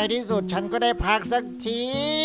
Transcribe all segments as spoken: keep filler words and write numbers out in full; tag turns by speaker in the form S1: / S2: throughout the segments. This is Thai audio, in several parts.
S1: ที่สุดฉันก็ได้พักสักที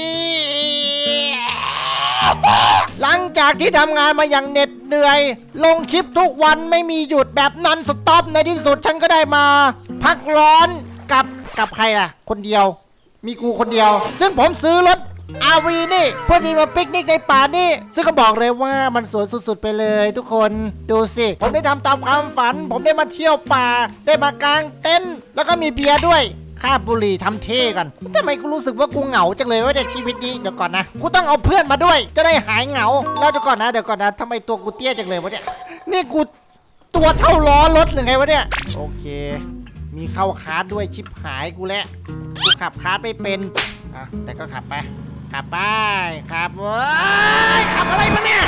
S1: หลังจากที่ทำงานมาอย่างเหน็ดเหนื่อย ลงคลิปทุกวันไม่มีหยุดแบบนอนสต็อปในที่สุดฉันก็ได้มา พักร้อนกับกับใครล่ะคนเดียวมีกูคนเดียวซึ่งผมซื้อรถ อาร์ วี นี่เพื่อที่มาปิกนิกในป่านี่ซึ่งก็บอกเลยว่ามันสวยสุดๆไปเลยทุกคนดูสิผมได้ทำตามความฝันผมได้มาเที่ยวป่าได้มากางเต็นท์แล้วก็มีเบียร์ด้วยค่าบุหรี่ทำเท่กันทำไมกูรู้สึกว่ากูเหงาจังเลยว่าในชีวิตนี้เดี๋ยวก่อนนะกูต้องเอาเพื่อนมาด้วยจะได้หายเหงาแล้วเดี๋ยวก่อนนะเดี๋ยวก่อนนะทำไมตัวกูเตี้ยจังเลยวะเนี่ยนี่กูตัวเท่าล้อรถหรือไงวะเนี่ยโอเคมีเข้าคาร์ดด้วยชิปหายกูแล้วกูขับคาร์ดไม่เป็นอ่ะแต่ก็ขับไปขับไปขับเว้ยขับอะไรมาเนี่ย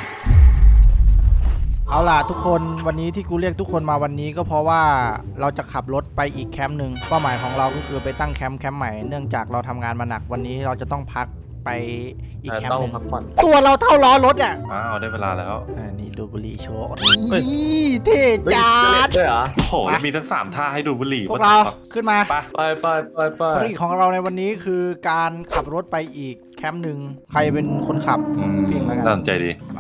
S1: เอาล่ะทุกคนวันนี้ที่กูเรียกทุกคนมาวันนี้ก็เพราะว่าเราจะขับรถไปอีกแคมป์หนึ่งเป้าหมายของเราก็คือไปตั้งแคมป์แคมป์ใหม่เนื่องจากเราทำงานมาหนักวันนี้เราจะต้องพักไปอีกแคมป์หนึ่งตัวเราเท่าล้อรถอ่ะ
S2: อ้าวได้เวลาแล้ว
S1: อ่านี่ดูบุหรี่โชว์นี่เท่จัด
S2: ด้วยเหรอโอ้โหมีทั้งสามท่าให้ดูบุหรี่
S1: พวกเราขึ้นมา
S2: ไปไปไปไปไป
S1: ภารกิจของเราในวันนี้คือการขับรถไปอีกแคมป์หนึ่งใครเป็นคนขับ
S2: พิงแล้วกันน่าสนใจดี
S1: ไป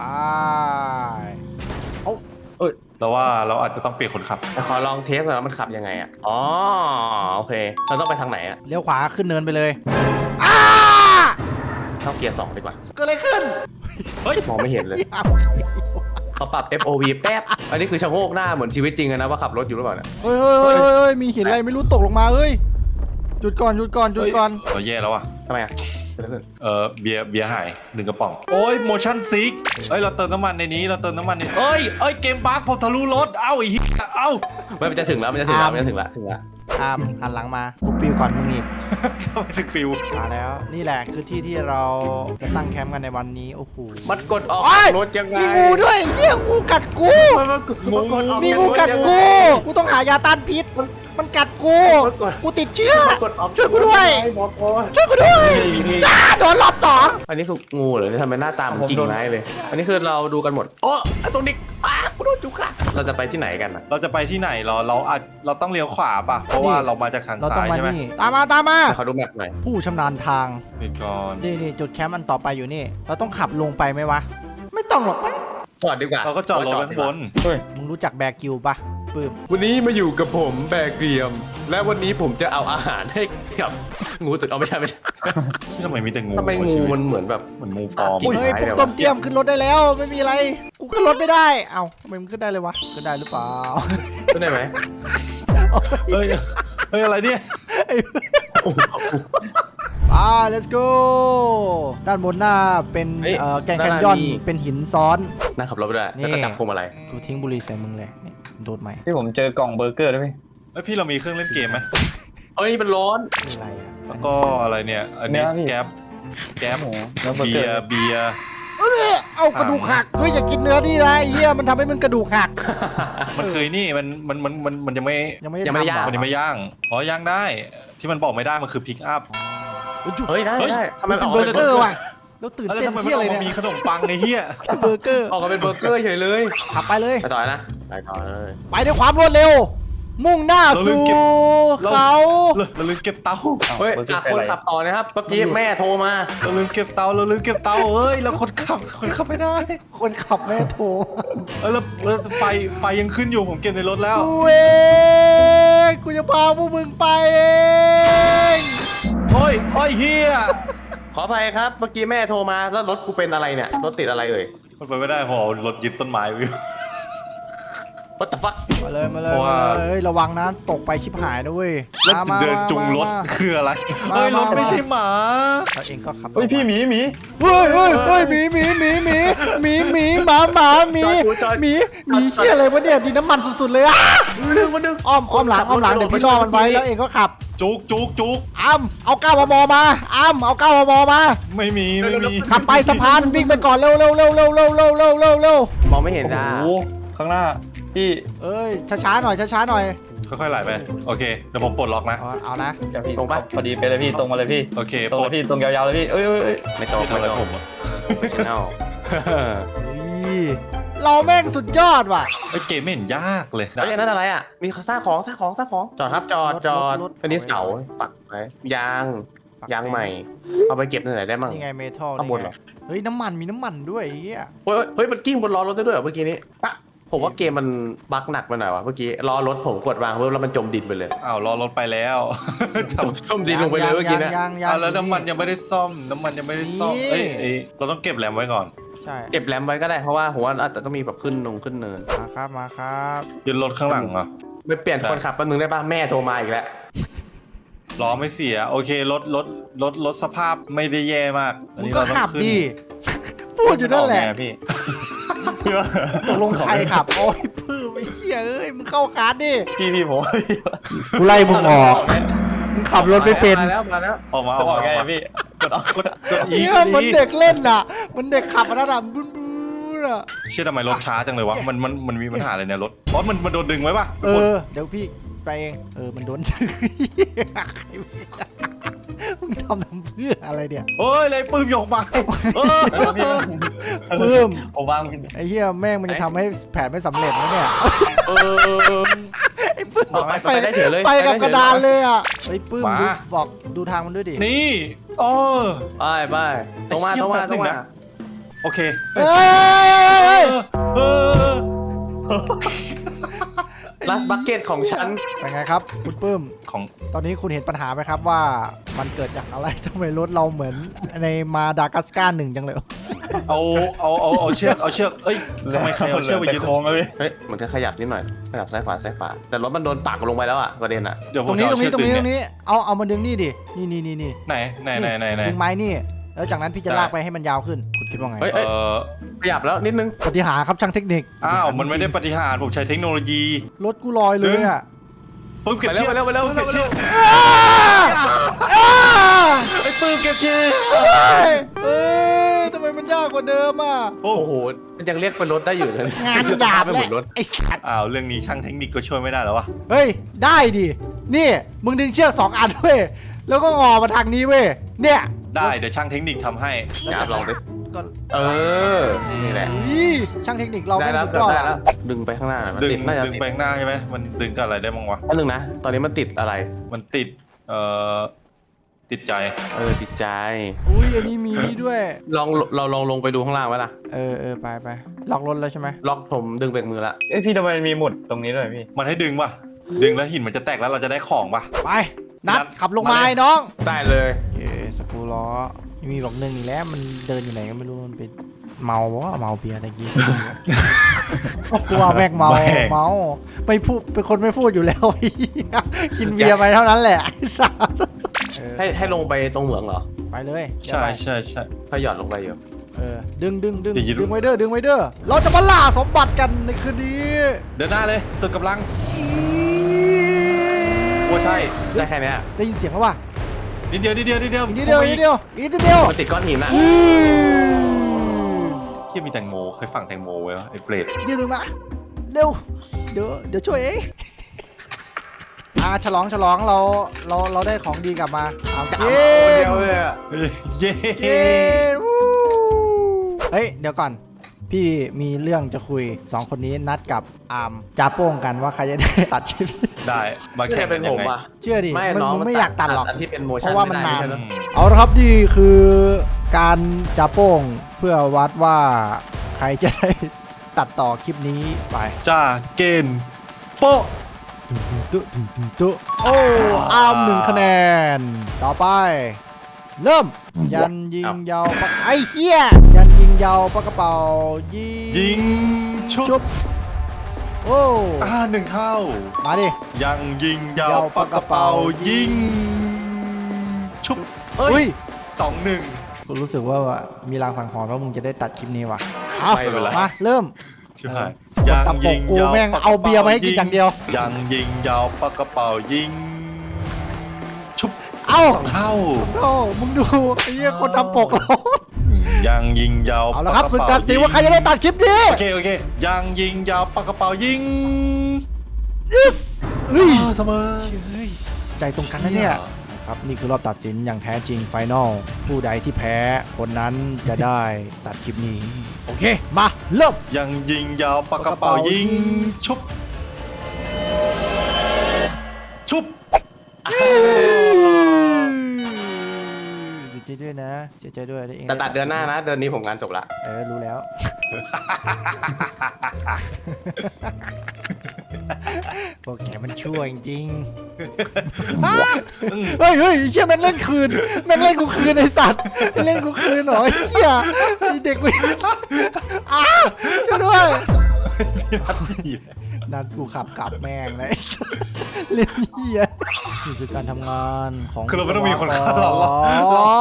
S2: โอ้ยเราว่าเราอาจจะต้องเปลี่ยนคนขับ
S3: ขอลองเทสหน่อยว่ามันขับยังไงอ่ะอ๋อโอเคเราต้องไปทางไหนอ่ะ
S1: เลี้ยวขวาขึ้นเนินไปเลยอ้า
S3: เข้าเกียร์สองดีกว่า
S1: เกิดอะไรขึ้น
S3: เฮ้ยมองไม่เห็นเลยเขาปรับ เอฟ โอ วี แป๊บอันนี้คือชะโงกหน้าเหมือนชีวิตจริงนะว่าขับรถอยู่หรือเปล่าเนี่ย
S1: เฮ้ยเฮ้ยเฮ้ยมีหินอะไรไม่รู้ตกลงมาเฮ้ยหยุดก่อนหยุดก่อนหยุดก่อน
S2: เราแย่แล้วอ่ะ
S3: ทำไมอ่ะ
S2: เออเบียร์เบียร์หายหนึ่งกระป๋องโอ้ย motion sick เอ้ยเราเติมน้ำมันในนี้เราเติมน้ำมันในเอ้ยเอ้ยเกมบั๊กพอทะลุรถเอ้าอีกเอ้า
S3: มันจะถึงแล้วมันจะถึงแล้วมันจะถึงแล้วถึงแล้ว
S1: อามหันหลังมากูปิวก่อนมึงอีก
S2: ทำไมถึงปิว
S1: มาแล้วนี่แหละคือที่ที่เราจะตั้งแคมป์กันในวันนี้โอ้โห
S3: มันกดออกรถยังไง
S1: มีงูด้วยเหี้ยงูกัดกูมีงูกัดกูกูต้องหายาต้านพิษมันกัดกูกูติดเชื้อช่วยกูด้วยช่วยกูด้วยจ้าโดนรอบสอง
S3: อันนี้คืองูเหรอที่ทำเป็นหน้าตาเหมือนกิ่งไม้เลยอันนี้คือเราดูกันหมดโอ้ตรงนี้อ้ากูโดนจุกค่ะเราจะไปที่ไหนกัน
S2: เราจะไปที่ไหนเราเราอาจเราต้องเลี้ยวขวาป่ะเพราะว่าเรามาจากทางซ้ายใช่ไหม
S1: ตามมาตามมา
S3: เขาดูแมพหน่อย
S1: ผู้ชำนาญทาง
S2: นี่ก่อน
S1: นี่นี่จุดแคมป์อันต่อไปอยู่นี่เราต้องขับลงไปไหมวะไม่ต้องหรอกมั้ง
S3: จอดดีกว่า
S2: เราก็จอดรถข้างบน
S1: มึงรู้จักแบร์กิวปะปื้ม
S3: วันนี้มาอยู่กับผมแบร์เกรียมและวันนี้ผมจะเอาอาหารให้กับงูตึกเอาไม่ใช่ไม่ใช่
S2: ทำไมมีแต่งู
S3: ทำไมงูมันเหมือนแบบ
S2: เหมือนงูปลอม
S1: เฮ้ยปุ๊บต้มเตี้ยมขึ้นรถได้แล้วไม่มีอะไรกูขึ้นรถไม่ได้เอ้าทำไมมันขึ้นได้เลยวะขึ้นได้หรือเปล่า
S3: ขึ้นได้ไหม
S2: เฮ้ยเฮ้ยอะไรเนี่ย
S1: อ่า let's go ด้านบนหน้าเป็นเอ่อแกงแคนยอนเป็นหินซ้อน
S3: น่าขับรถไปได้แล้วก็จับพวงมาลัย
S1: กูทิ้งบุหรี่ใส่มึงเลยนี่โดดใหม่
S4: พี่ผมเจอกล่องเบอร์เกอร์ด้วยพี่
S2: เฮ้ยพี่เรามีเครื่องเล่นเกมไหม
S3: เฮ้ยมันร้อน
S1: อะไรอ่ะ
S2: แล้วก็อะไรเนี่ยอันนี้สแกปสแกปเบียร์เบียร์
S1: เออเอากระดูกหักเฮ้ยอย่ากินเนื้อนี่นะไอ้เหี้ยมันทำให้มันกระดูกหัก
S2: มันเคยนี่มันมันมันมันมันยังไม่
S1: ยังไม่
S3: ยังไม่ย่าง
S2: มันยังไม่ย่างอ๋อย่างได้ที่มันบอกไม่ได้มันคือพิกอัพ
S3: เฮ้ยได้ได้ทำไม
S1: ออกเบอร์เกอร์ว่ะเราตื่นเต้นที่อะไรเนี่ย
S2: มีขนมปังไอ้เหี้ย
S1: เบอร์เกอร์
S3: ออกมาเป็นเบอร์เกอร์เฉยเลย
S1: ขับไปเลย
S3: ไปต่อนะไปต่อเลย
S1: ไปด้วยความรวดเร็วมุ่งหน้าสู่เขา
S2: เราลืมเก็บเตา
S3: เฮ้ยคนขับต่อนะครับเมื่อกี้แม่โทรมา
S2: เราลืมเก็บเตาเราลืมเก็บเตาเฮ้ยเราคนขับคนขับไม่ได้
S1: คนขับแม่โทร
S2: เออแล้วไฟไฟยังขึ้นอยู่ผมเก็บในรถแล้ว
S1: กูเองกูจะพาพวกมึงไปเอง
S2: โอ้ยโอ้ยเฮีย
S3: ขออภัยครับเมื่อกี้แม่โทรมาแล้วรถกูเป็นอะไรเนี่ยรถติดอะไรเอ่ย
S2: มันไปไม่ได้พอรถยึดต้นไม้วิว
S3: What the fuck
S1: มาเลยมาเลยมาเลยระวังนะตกไปชิบหายด้วย
S2: แล้วเดินจุงรถคืออะไรเฮ้ยรถไม่ใช่หมา
S1: เราเองก็ขับ
S4: เฮ้ยพี่หมีหมี
S1: เฮ้ยเฮ้ยเฮ้ยหมีหมีหมีหมีหมีหมีหมาหมาหมีหมีหมีเหี้ยอะไรวะเนี่ยดินน้ำมันสุดๆเลยอะ
S3: ดึงมาดึง
S1: อ้อมอ้อมหลังอ้อมหลังเดี๋ยวพี่รอมันไว้แล้วเองก็ขับ
S2: จุกจุกจุก
S1: อ้ำเอาเก้ามมมาอ้ำเอาเก้ามมมา
S2: ไม่มีไม่มี
S1: ขับไปสะพานวิ่งไปก่อนเร็วเร็วเร็วเร็วเร็วเร็วเร็วเร็วเร็ว
S3: มองไม่เห็นจ้า
S4: ข้างหน้าพี่
S1: เอ้ยช้าๆหน่อยช้าๆหน่อย
S2: ค่อยๆไหลไปโอเคเดี๋ยวผมปลดล็อกนะ
S1: เอานะ
S4: ตรงไปพอดีไปเลยพี่ตรงมาเลยพี่
S2: โอเค
S4: ตรงพี่ตรงยาวๆเลยพี่เอ้ย
S3: ไม่ตรงไม่ตรง
S2: ผม
S3: ไม่ใช่เน่า
S1: เราแม่งสุดยอดว่ะ
S2: ไอ้เกมไม่เห็นยากเลย
S3: เฮ้ยอันนั้นอะไรอ่ะมีซากของซากของซากของจอดครับจอดจอด
S1: รถรถ
S3: อันนี้เสาปักไว้ยางยางใหม่ เอาไปเก็บที่ไหนได้มั่ง
S1: นี่ไงเมทัล
S3: ข้างบนเหรอ
S1: เฮ้ยน้ำมันมีน้ำมันด้วยไอ้เฮีย
S3: เฮ้ยเฮ้ยมันกิ้งบนล้อรถได้ด้วยเหรอเมื่อกี้นี้ปะผมว่าเกมมันบั๊กหนักไปหน่อยวะเมื่อกี้ล้อรถผมกดวางเพิ่มแล้วมันจมดินไปเลย
S2: อ้าวรอรถไปแล้วจำ
S3: จมดินลงไปเลยเมื่อกี้นะ
S1: ยางยาง
S2: อ้าวแล้วน้ำมันยังไม่ได้ซ่อมน้ำมันยังไม่ได้ซ่อมเอ้ยเอ้ยเราต้องเก็บแรมไว้ก่อน
S1: ใช่
S3: เก็บแรมไว้ก็ได้เพราะว่าผมว่าอาจจะต้องมีแบบขึ้นนงขึ้นเนิน
S1: มาครับมาครับ
S2: ยืนรถข้างหลังเหรอ
S3: ไปเปลี่ยนคนขับแป๊บนึงได้ป่ะแม่โทรมาอีกแล้ว
S2: ล้อไม่เสียโอเครถรถรถรถสภาพไม่ได้แย่มากอัน
S1: มึง
S2: นี้
S1: ก็
S2: เราต้อ
S1: ขับ
S2: งขึ้น
S1: ดิพูดอยู่นั่นแหละ
S4: ออกไงพี่พี่ว่า
S1: ตกลงใครขับโอ้ยพื้นไอ้เหี้ยเอ้ยมึงเข้าคาร์ดดิ
S4: พี่พี่ผม
S1: กูไล่มึงออกมึงขับรถไม่เป็น
S3: มาแล้วมาแล้ว
S2: ออกมาอ
S4: จะ
S2: อก
S4: บอก
S2: มา
S4: ไง
S2: ออกมา
S4: พี่กดออกกด
S2: กดอี
S1: เหี้
S2: ก
S1: ย
S2: ด
S1: เหมือน
S2: อี
S1: เด็กเล่นอ่ะเหมันเด็กขับอันนั้นอ่ะบึ้นบึ้นอ่ะ
S2: เชื่อทำไมรถช้าจังเลยวะมันมันมันมีปัญหาอะไรเนี่ยรถบอสมันมันโดนดึงไว้ปะ
S1: เออเดี๋ยวพี่ไปเองเออมันโดนมึงทำทำเพื่ออะไรเนี่ย
S2: เฮ้ยเลยปื้มโยกมาเออ
S1: ปื้ม
S4: ผมวาง
S1: ไอ้เหี้ยแม่งมันจะทำให้แผนไม่สำเร็จนะเนี่ย
S3: เออ
S1: ไอ้ปื้ม
S3: เอาไปไปได้เฉยเลย
S1: ไปกับ
S3: ไปได้เฉย
S1: กระดานเลยอ่ะไอ้ปื้ม
S2: มา
S1: ดูบอกดูทางมันด้วยดิ
S2: นี่โอ้
S3: ไปไปตรงมาตรงมาตรงมา
S2: โอเค
S1: เฮ้ย
S2: เออ
S3: ลัสบักเก็ตของฉัน
S1: เป็นไงครับคุณปื้ม
S2: ของ
S1: ตอนนี้คุณเห็นปัญหาไหมครับว่ามันเกิดจากอะไรทำไมรถเราเหมือนในมาดากัสการ์หนึ่งจังเลย
S2: เอาเอาเอาเอาเชือกเอาเชือกเอ้ยทำไมใครเอาเชือกไปยึด
S4: โค้งแล้วพี่
S3: เฮ้ยมันก็ขยับนิดหน่อยขยับซ้ายขวาซ้ายขวาแต่รถมันโดนปักลงไปแล้วอ่ะประเด็นอ่ะ
S2: เดี๋ยวผ
S1: ตร
S2: ม
S1: งนี้
S2: จะ
S1: ตรงนี้
S2: เอา
S1: ตรงนี้
S2: เชื
S1: ต
S2: อก
S1: รงนี้เอาเอามาดึงนี่ดินี่นี่นี่นี่
S2: ไหนไหนไหนไหนไหน
S1: ดึงไม้นี่ แล้วจากนั้นพี่จะลากไปให้มันยาวขึ้นคุณคิดว่าไง
S3: เฮ้ย
S2: เอ
S3: เอ้ย
S2: อ
S3: ขยับแล้วนิดนึง
S1: ปฏิหารย์ครับช่างเทคนิค
S2: อ้าวมันไม่ได้ปฏิหารย์ผมใช้เทคโนโลยี
S1: รถกูลอยเลยอ่ะ
S2: ปื้มเก็บ
S3: ไป
S2: เชื
S3: เร็
S2: อ
S3: ว
S2: ก
S3: ไปเร็วไปเร็วไปเร็ว
S2: ไอ้ปื้มเก็บเชือก
S1: เอ้ยทำไมมันยากกว่าเดิมอ่ะ
S2: โอ้
S3: โอ้โหมันยังเรียกเป็นรถได้อยู่เลย
S1: งานหยาบ
S3: ไม่
S1: แห
S3: เห
S1: ละ
S3: มือนรถ
S1: ไอ้สัตว์
S2: อ้าวเรื่องนี้ช่างเทคนิคก็ช่วยไม่ได้แล้ววะ
S1: เฮ้ยได้ดินี่มึงดึงเชือกสองอันเว้ยแล้วก็งอมาทางนี้เว้ยเนี่ย
S2: ได้เดี๋ยวช่างเทคนิคทำให้
S3: อยากลองดิ
S1: ก็
S3: เออนี่แหละ
S1: อุ้ยช่างเทคนิคเรา
S3: ได้
S1: ไม่
S3: แล้ว
S1: สุด
S3: เกื
S1: ย
S3: อบ
S1: อด
S3: ได้แล้
S1: อะ
S3: วดึงไปข้างหน้าหน่อยมัน
S2: ดึง
S3: ติดน่าจะ
S2: ดึง
S3: ติด
S2: ไปข้างหน้าใช่ไหมมันดึงกับอะไรได้บ้างวะ
S3: อันหนึ่งนะตอนนี้มันติดอะไร
S2: มันติดเอ่อติดใจ
S3: เออติดใจ
S1: อุ้ยอันนี้มีนี่ด้วย
S3: ลองเราลองลงไปดูข้างล่างไว้ล่ะ
S1: เออเออไปไปล็อกรถแล้วใช่ไหม
S3: ล็อกผมดึงเบรกมือละ
S4: เอ้ยพี่ทำไมมีหมุดตรงนี้ด้วยพี่
S2: มันให้ดึงป่ะดึงแล้วหินมันจะแตกแล้วเราจะได้ของป่ะ
S1: ไปนัด
S2: นัด
S1: ขับลงมา
S2: มาเลย
S1: ไอ้น้อง
S3: ได้เลย
S1: โอเคสกรูล้อมีบอกหนึ่งอีกแล้วมันเดินอยู่ไหนก็ไม่รู้มันเป็นเมาเพราะว่าเมาเบียร์ตะกี้ กลัวแม่งเมาเมาไม่พูดเป็นคนไม่พูดอยู่แล้ว ไอ้เหี้ยกินเบียร์ไปเท่านั้นแหละไอ้สัสเออ
S3: ให้ให้ลงไปตรงเหมืองเหรอ
S1: ไปเลยเดี๋ยว
S2: ใช่
S1: ไป
S2: ใช่ใช่
S3: ถ้าหย่อนลงไปอยู่
S1: เออดึงดึงดึง
S2: เดี๋ยวยืน
S1: ดึงไว้เด้อดึงไว้เด้อเราจะมาล่าสมบัติกันในคืนนี้
S2: เดินหน้าเลยสุดกำลังโอ้ใช่
S3: ได้แค่เนี้ย
S1: ได้ยินเสียงแล้วว่ะ
S2: นิดเดียวนิดเดียวนิดเดียว
S1: อีกนิดเดียวอีกนิดเดียวอีกนิดเดียว
S3: มันติดก้อนหินอะ
S1: อืม
S2: ที่มีแตงโมเคยฝังแตงโมไว้วะไอ้เปรต
S1: ยืนลงมาเร็วเดี๋ยวเดี๋ยวช่วยเองอ่าฉลองฉลองเราเราเราได้ของดีกลับมาเอา
S3: จะ
S1: เก
S3: เอาคนเดียว
S1: ม
S3: เลยอะ
S2: เย้
S1: เย้วู้เฮ้ย เดี๋ยวก่อน พี่มีเรื่องจะคุยสองคนนี้นัดกับอาร์มจะโป้งกันว่าใครจะได้ตัดคลิป
S2: ได้มา
S3: ไม่
S2: แข่
S3: ใช่
S2: ง
S3: เป็
S2: กัน นยั
S3: ผ
S2: ง
S3: ม
S2: ไง
S3: อะ
S1: เชื่อดิ
S3: ไม่
S1: มึง
S3: น้อง
S1: มึงไม่อยากตัดหรอก
S3: อันที่เป็นโม
S1: เพ
S3: ชั่น
S1: ราะว่ามันนาน
S3: ไได้
S1: เอาละครับนี่คือการจะโป้งเพื่อวัดว่าใครจะได้ตัดต่อคลิปนี้ไป
S2: จ้าเกณฑ์โป๊ะ
S1: ตุ๊ตุ๊ตุ๊ตุ๊โอ้อาร์มหนึ่งคะแนน ต่อไป เริ่ม ยันยิงยาวปากไอ้เหี้ยยันยิงยาวปากกระเป๋ายิง
S2: ยิงชุ
S1: ชุ
S2: บบ
S1: โอ้
S2: อ่าหนึ่งเข้า
S1: มาดิ
S2: ยังยิงยาวย
S1: าว
S2: ปากกระเป๋ายิงชุบเอ้
S1: อุ้
S2: ย
S1: ย
S2: สองหนึ่ง
S1: กูรู้สึกว่ามีรางสังหรณ์ว่ามึงจะได้ตัดคลิปนี้ว่ะเอา
S3: ไม่เป็นไร
S1: มาเริ่ม
S2: ใช่ไหม
S1: เออสกดตะปกกูแม่งเอาเบียร์มาให้กินอย่างเดียว
S2: ยังยิงยาวปากกระเป๋ายิงชุบ
S1: เอ้า
S2: สองเท่า
S1: โอ้มึงดูไอ้เหี้ยคนทำปกเรา
S2: ยังยิงยาว
S1: เอาละครับ
S2: ปก
S1: ศึก
S2: กะ
S1: ตั
S2: เป๋
S1: ดสินว่าใครจะได้ตัดคลิปนี้
S2: โอเคโอเคยังยิงยาวปากกระเป๋ายิง
S1: yes เฮ้ย
S2: อ้าวเสมอ
S1: เฮ้ยใจตรงกันนะเนี่ย
S2: โ
S1: ครับนี่คือรอบตัดสินอย่างแท้จริงไฟนอลผู้ใดที่แพ้คนนั้นจะได้ตัดคลิปนี้ โอเค มาเริ่ม
S2: ยังยิงยาวปากกระเป๋ายิงชุบชุบ
S1: เสียใจด้วยนะ เสียใจด้วยได้เอง
S3: แต่ตัดเดือนหน้านะ เดือนนี้ผมงานจบละ
S1: เออ รู้แล้ว พวกแกมันชั่วจริงๆเฮ้ยเฮ้ยเชี่ยแม่งเล่นคืนแม่งเล่นกูคืนไอสัตว์เล่นกูคืนเหรอไอ้เชี่ยไอ้เด็กกูอ้าช่วยด้วย นัดกูขับกลับแม่งเลยไอ้สัสเล่นเหี้ยนี่คือการทำงานของ
S2: คือเราไม่ต้องมีคนฆ่าเราหรอก
S1: อ๋อ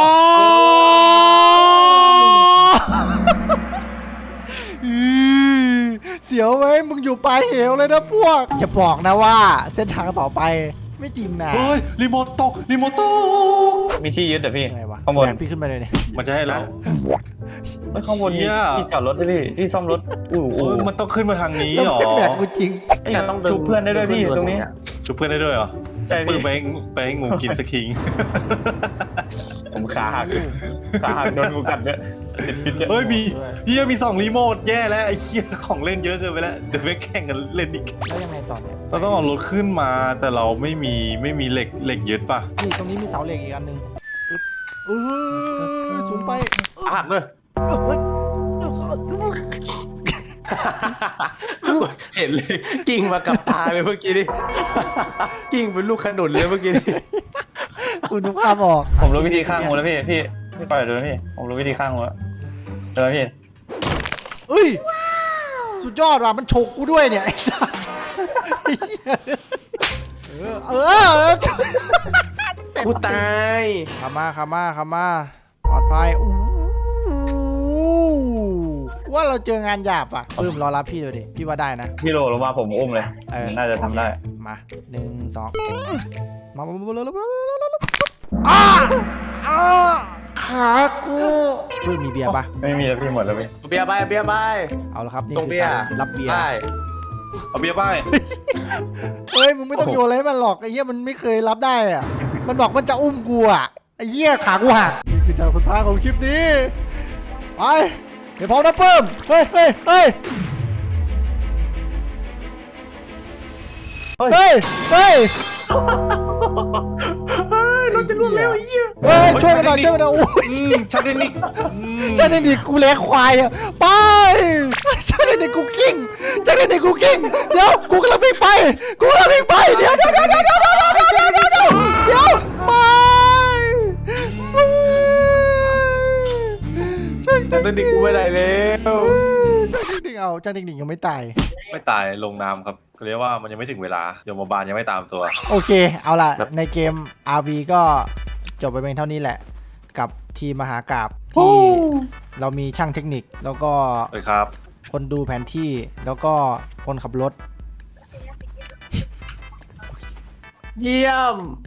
S1: อือเสียวไหมมึงอยู่ปลายเหวเลยนะพวกจะบอกนะว่าเส้นทางต่อไปไม่จริงนะ
S2: เฮ้ยรีโมทตกรีโมทตก
S4: มีที่ยึดเหรอพี่
S1: ยังไงวะ
S4: ข้างบน
S1: แบกพี่ขึ้นไปเลยเนี่ย
S2: มันจะให้เรา
S4: เฮ้ยข้างบน
S2: เหี้
S4: มี
S2: ย
S4: ที่จอดรถด้วยพี่ที่ซ่อมรถอู้
S2: โอ้
S4: อู้
S2: ยมันต้องขึ้นมาทางนี้
S1: แล้ว
S2: เหรอ
S1: แบกกูจริง
S4: เอ้ย
S3: เนี่ยต้องดึง
S4: ชุบเพื่อนได้ด้วยพี่ตรงนี้
S2: ชุบเพื่อนได้ด้วยเหรอ
S4: ใช่
S2: ปื
S4: พี่
S2: นไปให้ไปให้งูกินสักที
S4: ผมขาหักขาหักโดนงูกัดเนี่ยติดพิษเนี่ย
S2: เฮ้ยมีเฮียมีสองรีโมทแย่แล้วไอ้เฮียของเล่นเยอะเกินไปแล้วเดี๋ยวไปแข่งกันเล่นอีก
S1: แล้วยังไงต่อเนี่ย
S2: เราต้องเอารถขึ้นมาแต่เราไม่มีไม่มีเหล็กเหล็กยึดป่ะ
S1: นี่ตรงนี้มีเสาเหล็กอีกอันหนึ่งอึ๊บเออสูงไป
S3: หักเลย
S1: เฮ้ย
S3: เห็นเลย กิ่งมากับตาเลยเมื่อกี้นี่ กิ่งเป็นลูกขนุนเลยเมื่อกี้นี่
S1: คุณนึกภาพออก
S4: ผมรู้วิธีข้างงูแล้วพี่พี่พี่ปล่อยเดินพี่ผมรู้วิธีข้างงูแล้วเดินพี่
S1: เอ้ย สุดยอดว่ะ มันฉกกูด้วยเนี่ย ไอ้สัสไอ้เหี้ยเออ เออ
S3: กูตาย
S1: ขามาขามาขามา ปลอดภัยอู้ว่าเราเจองานหยาบอ่ะปื้มรอรับพี่เลยดิ พี่ว่าได้นะ
S4: พี่โหลลงมาผมอุ้มเลย
S1: เออ
S4: น่าจะทำได้
S1: มาหนึ่งสองมามามาเร็วเร็วเร็วเร็วเร็วเร็วอ้าอ้าขากูปื้มมีเบียร์ปะ
S4: ไม่มีแล้วพี่หมดแล้วพี่
S3: เบียร์ไปเบียร์ไป
S1: เอาละครับนี่
S3: ตรง
S1: คือ
S3: เบียร์
S1: การรับเบียร์
S3: ได้
S2: เอาเบียร์ป้าย
S1: เฮ้ยมึงไม่ต้องโยนอะไรให้มันหรอกไอ้เหี้ยมันไม่เคยรับได้อะมันบอกมันจะอุ้มกูอะไอ้เหี้ยขากูหักนี่คือจากสุดท้ายของคลิปนี้ไปเดี๋ยวพร้อมนะเพิ่มเฮ้ยเฮ้ยเฮ้ยเฮ้ยเฮ้ย
S3: เราจะล่วงแล้วไอ้เหี้ย
S1: เฮ้ยช่วยกันหน่อยช่วยกันหน่อยโอ้ย
S2: อืมชักเทคนิคอืม
S1: ช่วยเด็กดิกูเลี้ยงควายอะไปช่วยเด็กดิกูกิ้งช่วยเด็กดิกูกิ้งเดี๋ยวกูกำลังวิ่งไปกูกำลังวิ่งไปเดี๋ยวเดี๋ยวเดี๋ยวเดี๋ยวเดี๋ยวเดี๋ยวเดี๋ยวเดี๋ยวเดี๋ยวเดี๋ยวเดี๋ยวไป
S3: แต่ตอนนี้กูไม่ได้แล้ว
S1: ช่างดิ่งเอาช่างดิ่งยังไม่ตาย
S2: ไม่ตายลงน้ำครับเขาเรียกว่ามันยังไม่ถึงเวลาโยมบาลยังไม่ตามตัว
S1: โอเค เอาล่ะ ในเกม อาร์ วี ก็จบไปเพียงเท่านี้แหละ กับทีมมหากาพย์ที่เรามีช่างเทคนิค แล้วก็
S2: เลยครับ
S1: คนดูแผนที่ แล้วก็คนขับรถ
S3: เยี่ยม